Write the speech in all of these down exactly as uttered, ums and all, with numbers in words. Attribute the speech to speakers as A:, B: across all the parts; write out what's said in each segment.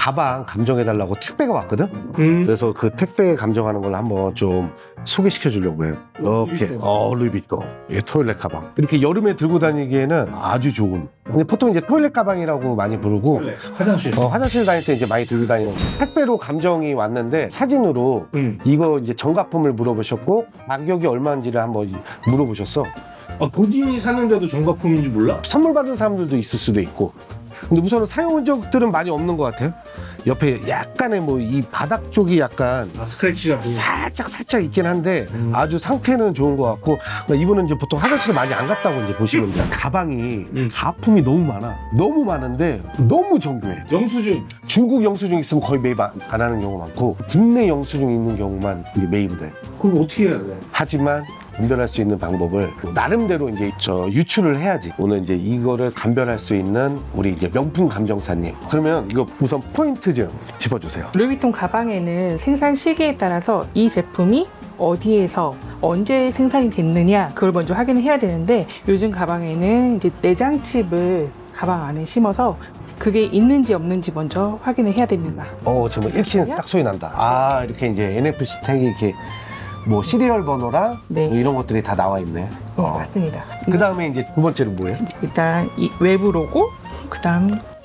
A: 가방 감정해달라고 택배가 왔거든?
B: 음.
A: 그래서 그 택배 감정하는 걸 한번 좀 소개시켜 주려고 해요. 이렇게,
B: 루이비통.
A: 어, 루이비통. 이 토일렛 가방. 이렇게 여름에 들고 다니기에는 아주 좋은. 근데 보통 이제 토일렛 가방이라고 많이 부르고,
B: 원래 화장실.
A: 어, 화장실 다닐 때 이제 많이 들고 다니는 거. 택배로 감정이 왔는데 사진으로
B: 음.
A: 이거 이제 정가품을 물어보셨고 가격이 얼마인지를 한번 물어보셨어.
B: 아, 본인이 샀는데도 정가품인 줄 몰라?
A: 선물 받은 사람들도 있을 수도 있고. 근데 우선은 사용 흔적들은 많이 없는 것 같아요. 옆에 약간의 뭐 이 바닥 쪽이 약간
B: 아, 스크래치가 뭐.
A: 살짝 살짝 있긴 한데
B: 음.
A: 아주 상태는 좋은 것 같고, 이분은 이제 보통 화장실 많이 안 갔다고 이제 보시면 돼요. 가방이
B: 음.
A: 가품이 너무 많아. 너무 많은데 너무 정교해.
B: 영수증.
A: 중국 영수증 있으면 거의 매입 안, 안 하는 경우가 많고 국내 영수증 있는 경우만 이게 매입을 해.
B: 그럼 어떻게 해야 돼?
A: 하지만 감별할 수 있는 방법을 나름대로 이제 저 유출을 해야지. 오늘 이제 이거를 감별할 수 있는 우리 이제 명품 감정사님. 그러면 이거 우선 포인트 좀 짚어주세요.
C: 루이비통 가방에는 생산 시기에 따라서 이 제품이 어디에서 언제 생산이 됐느냐 그걸 먼저 확인을 해야 되는데, 요즘 가방에는 이제 내장 칩을 가방 안에 심어서 그게 있는지 없는지 먼저 확인을 해야 됩니다.
A: 어, 지금 읽히는 딱 소리 난다. 아, 이렇게 이제 엔에프씨 태그 이렇게 뭐 시리얼 번호랑
C: 네.
A: 뭐 이런 것들이 다 나와 있네.
C: 네,
A: 어.
C: 맞습니다.
A: 그 다음에 이제 두 번째는 뭐예요?
C: 일단 이 외부 로고, 그 다음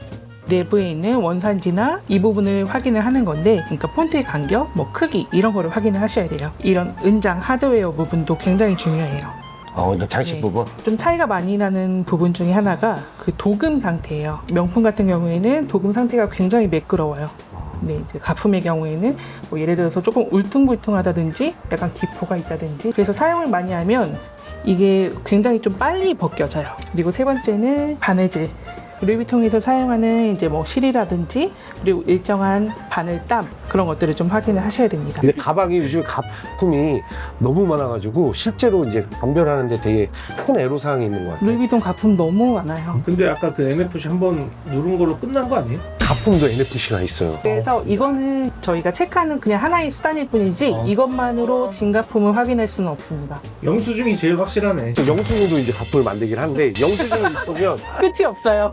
C: 내부에 있는 원산지나 이 부분을 확인을 하는 건데, 그러니까 폰트의 간격, 뭐 크기 이런 거를 확인을 하셔야 돼요. 이런 은장 하드웨어 부분도 굉장히 중요해요.
A: 어, 이런 장식
C: 네.
A: 부분.
C: 좀 차이가 많이 나는 부분 중에 하나가 그 도금 상태예요. 명품 같은 경우에는 도금 상태가 굉장히 매끄러워요. 네, 이제 가품의 경우에는 뭐 예를 들어서 조금 울퉁불퉁하다든지 약간 기포가 있다든지, 그래서 사용을 많이 하면 이게 굉장히 좀 빨리 벗겨져요. 그리고 세 번째는 바느질. 루이비통에서 사용하는 이제 뭐 실이라든지 그리고 일정한 바늘땀 그런 것들을 좀 확인을 하셔야 됩니다.
A: 근데 가방이 요즘 가품이 너무 많아가지고 실제로 이제 감별하는데 되게 큰 애로사항이 있는 것 같아요.
C: 루이비통 가품 너무 많아요.
B: 근데 아까 그 엔에프씨 한번 누른 걸로 끝난 거 아니에요?
A: 가품도 엔에프씨가 있어요.
C: 그래서 이거는 저희가 체크하는 그냥 하나의 수단일 뿐이지
B: 어.
C: 이것만으로 진가품을 확인할 수는 없습니다.
B: 영수증이 제일 확실하네.
A: 영수증도 이제 가품을 만들긴 하는데 영수증이 있으면
C: 끝이 없어요.